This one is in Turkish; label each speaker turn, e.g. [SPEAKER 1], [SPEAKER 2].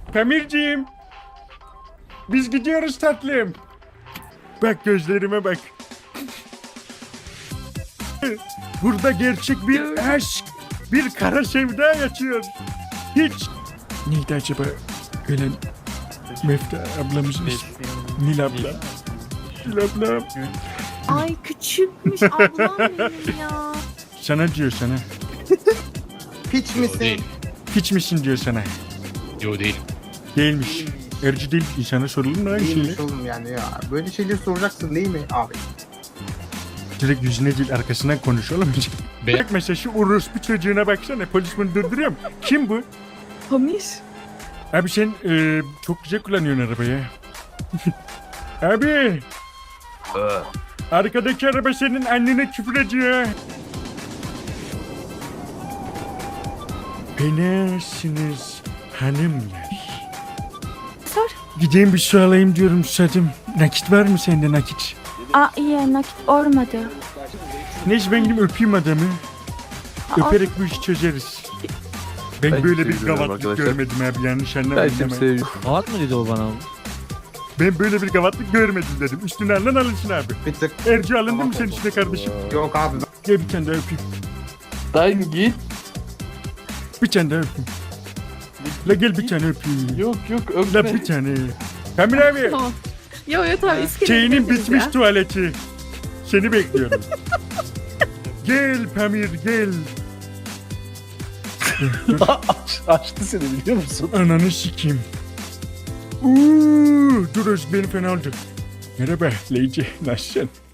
[SPEAKER 1] Pamirciğim. Biz gidiyoruz tatlım. Bak gözlerime bak. Burada gerçek bir aşk, bir kara sevda yaşıyor. Hiç. Neydi acaba ölen Mefta ablamızın ismi? Nil abla. Nil abla.
[SPEAKER 2] Ay küçükmüş ablam benim ya.
[SPEAKER 1] Sana diyor sana.
[SPEAKER 3] Piç misin?
[SPEAKER 4] Değil.
[SPEAKER 1] Hiç misin diyor sana.
[SPEAKER 4] Yo değil.
[SPEAKER 1] Değilmiş. Erci değil. İnsana sorulur mu lan şeyle?
[SPEAKER 3] Değilmiş oğlum yani ya. Böyle şeyleri soracaksın değil mi abi?
[SPEAKER 1] Direkt yüzüne değil arkasından konuş oğlum.
[SPEAKER 4] Be-
[SPEAKER 1] Bak mesela şu orospu çocuğuna baksana. Polis bunu durduruyor mu? Kim bu?
[SPEAKER 2] Pamir.
[SPEAKER 1] Abi sen çok güzel kullanıyorsun arabayı. Abi. Arkadaki araba senin annene küfür ediyor. Fenasınız hanımlar.
[SPEAKER 2] Sor.
[SPEAKER 1] Gideyim bir su alayım diyorum susadım. Nakit var mı sende nakit?
[SPEAKER 2] Aa iyi nakit olmadı.
[SPEAKER 1] Neyse ben gidip öpeyim adamı.
[SPEAKER 2] Aa,
[SPEAKER 1] Öperek bu işi çözeriz. Ben
[SPEAKER 5] Ben
[SPEAKER 1] böyle bir
[SPEAKER 5] seviyorum
[SPEAKER 1] gavatlık
[SPEAKER 5] arkadaşlar.
[SPEAKER 1] görmedim abi yanlış
[SPEAKER 5] Ben
[SPEAKER 1] anlamayın.
[SPEAKER 5] şimdi
[SPEAKER 1] hemen.
[SPEAKER 5] seviyorum.
[SPEAKER 6] Rahat mı dedi o bana?
[SPEAKER 1] Ben böyle bir gavatlık görmedim dedim. Üstüne alın alınsın abi.
[SPEAKER 3] Bir tık.
[SPEAKER 1] Erci alındı mı senin üstüne kardeşim?
[SPEAKER 3] Yok abi.
[SPEAKER 1] Gel bir tane daha öpeyim.
[SPEAKER 5] Lan git.
[SPEAKER 1] Bir tane daha öpeyim. La gel bir tane öpeyim.
[SPEAKER 5] Yok yok
[SPEAKER 1] La
[SPEAKER 5] öpme.
[SPEAKER 1] bir tane. Kamil abi.
[SPEAKER 2] Tamam. Yo yo tamam iskeleye
[SPEAKER 1] Şeyinin
[SPEAKER 2] gideriz
[SPEAKER 1] bitmiş
[SPEAKER 2] ya.
[SPEAKER 1] tuvaleti. Seni bekliyorum. Gel Pamir gel.
[SPEAKER 5] Açtı seni biliyor musun?
[SPEAKER 1] Ananı sikeyim. Dur Özgür beni fena oldu. Merhaba Leyci. Nasılsın?